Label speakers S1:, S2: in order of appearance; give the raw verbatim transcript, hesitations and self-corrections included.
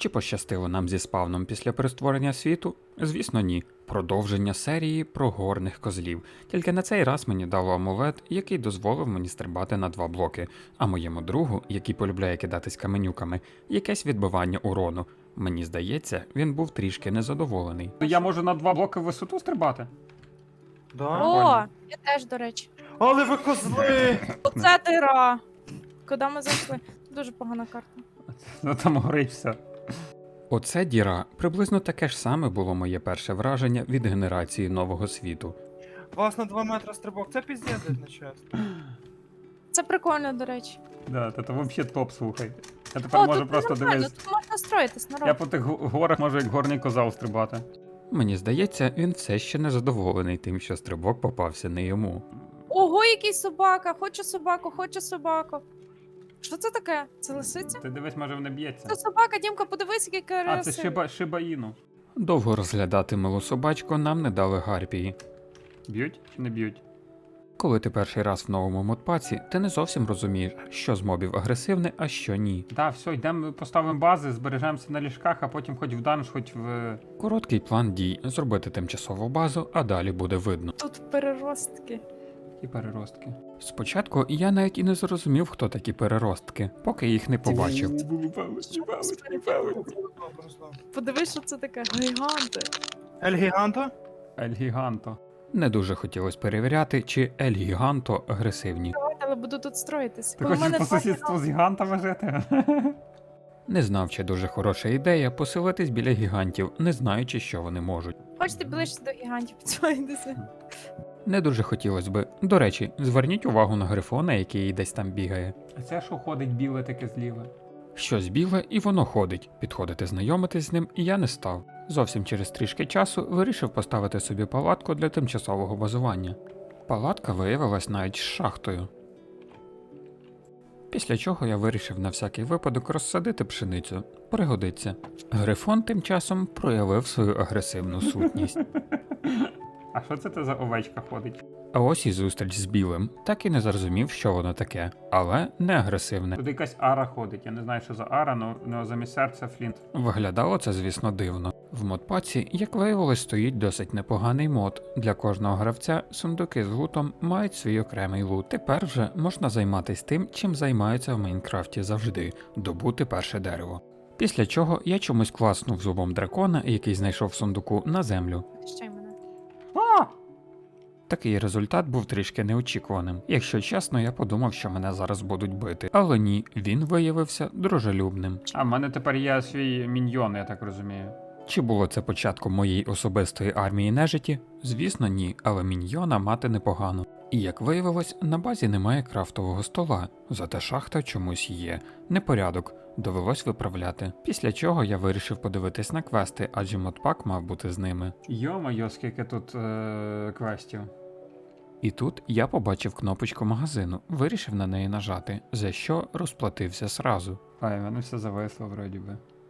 S1: Чи пощастило нам зі спавном після перестворення світу? Звісно, ні. Продовження серії про горних козлів. Тільки на цей раз мені дало амулет, який дозволив мені стрибати на два блоки, а моєму другу, який полюбляє кидатись каменюками, якесь відбивання урону. Мені здається, він був трішки незадоволений. Я можу на два блоки в висоту стрибати?
S2: Да?
S3: О, я теж, до речі.
S2: Але ви козли!
S3: Оце дира. Куди ми зайшли? Дуже погана карта.
S1: Ну там горить все. Оце діра. Приблизно таке ж саме було моє перше враження від генерації нового світу.
S2: Вас на два метри стрибок, це піздець, не чесно.
S3: Це прикольно, до речі.
S1: Да, це взагалі топ, слухай. Я тепер
S3: О,
S1: можу
S3: тут
S1: просто
S3: нормально,
S1: дивитися.
S3: тут можна строїтись, народ.
S1: Я по тих гу- горах можу як горний козал стрибати. Мені здається, він все ще не задоволений тим, що стрибок попався не йому.
S3: Ого, який собака! Хочу собаку, хочу собаку. Що це таке? Це лисиця?
S1: Ти дивись, може вона б'ється.
S3: Це собака, Дімка, подивись, який
S1: А, це
S3: красивий.
S1: шиба, шибаїну. Довго розглядати милу собачку нам не дали гарпії. Б'ють чи не б'ють? Коли ти перший раз в новому модпаці, ти не зовсім розумієш, що з мобів агресивне, а що ні. Да, все, йдемо, поставимо бази, збережемося на ліжках, а потім хоч в данж, хоч в... Короткий план дій – зробити тимчасову базу, а далі буде видно.
S3: Тут переростки.
S1: І переростки. Спочатку я навіть і не зрозумів, хто такі переростки, поки їх не побачив.
S3: Подивись, що це таке. Гіганти.
S2: Ель Гіганто?
S1: Ель Гіганто. Не дуже хотілося перевіряти, чи Ель Гіганто агресивні.
S3: Але буду тут строїтись.
S1: Ти
S3: У
S1: хочеш
S3: мене
S1: по
S3: два
S1: сусідству з гігантами жити? Не знав, чи дуже хороша ідея поселитись біля гігантів, не знаючи, що вони можуть.
S3: Хочете ближче до гігантів, підсувайтеся.
S1: Не дуже хотілося би. До речі, зверніть увагу на грифона, який десь там бігає. А це що ходить біле таке зліве? Щось біле, і воно ходить. Підходити знайомитись з ним і я не став. Зовсім через трішки часу вирішив поставити собі палатку для тимчасового базування. Палатка виявилась навіть з шахтою. Після чого я вирішив на всякий випадок розсадити пшеницю. Пригодиться. Грифон тим часом проявив свою агресивну сутність. А що це ти за овечка ходить? А ось і зустріч з білим. Так і не зрозумів, що воно таке, але не агресивне. Тут якась ара ходить, я не знаю, що за ара, але замість серця флінт. Виглядало це, звісно, дивно. В модпаці, як виявилось, стоїть досить непоганий мод. Для кожного гравця сундуки з лутом мають свій окремий лут. Тепер вже можна займатися тим, чим займаються в Майнкрафті завжди – добути перше дерево. Після чого я чомусь класнув зубом дракона, який знайшов в сундуку, на землю.
S3: Ще й мене.
S1: Такий результат був трішки неочікуваним. Якщо чесно, я подумав, що мене зараз будуть бити. Але ні, він виявився дружелюбним. А в мене тепер є свій міньйон, я так розумію. Чи було це початком моєї особистої армії нежиті? Звісно, ні, але міньйона мати непогано. І як виявилось, на базі немає крафтового стола, зате шахта чомусь є. Непорядок, довелось виправляти. Після чого я вирішив подивитись на квести, адже модпак мав бути з ними. Йо-моє, скільки тут е- квестів. І тут я побачив кнопочку магазину, вирішив на неї нажати, за що розплатився сразу. А, в мене все зависло вроді би.